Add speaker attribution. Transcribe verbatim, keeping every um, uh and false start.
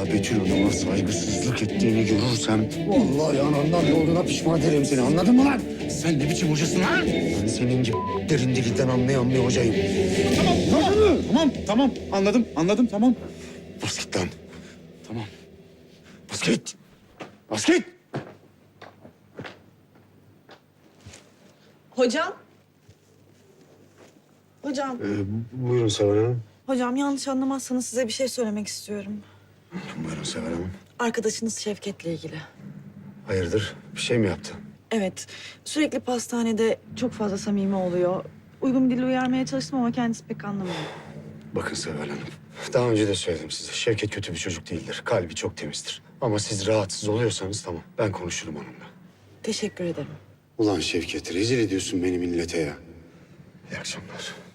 Speaker 1: Betül Hanım'a saygısızlık ettiğini görürsem... ...vallahi anandan yoluna pişman ederim seni, anladın mı lan?
Speaker 2: Sen ne biçim hocasın ha?
Speaker 1: Ben senin gibi derin dilinden anlayan bir hocayım.
Speaker 2: Tamam, tamam, tamam, tamam. Anladım, anladım, tamam.
Speaker 1: Bas git lan.
Speaker 2: Tamam.
Speaker 1: Bas git. Bas git.
Speaker 3: Hocam. Hocam.
Speaker 1: Ee, buyurun Seval Hanım.
Speaker 3: Hocam yanlış anlamazsanız size bir şey söylemek istiyorum.
Speaker 1: Buyurun Seval Hanım.
Speaker 3: Arkadaşınız Şevket'le ilgili.
Speaker 1: Hayırdır? Bir şey mi yaptı?
Speaker 3: Evet. Sürekli pastanede çok fazla samimi oluyor. Uygun bir dille uyarmaya çalıştım ama kendisi pek anlamıyor.
Speaker 1: Bakın Seval Hanım. Daha önce de söyledim size. Şevket kötü bir çocuk değildir. Kalbi çok temizdir. Ama siz rahatsız oluyorsanız tamam. Ben konuşurum onunla.
Speaker 3: Teşekkür ederim.
Speaker 1: Ulan Şevket, rezil ediyorsun beni millete ya. İyi akşamlar.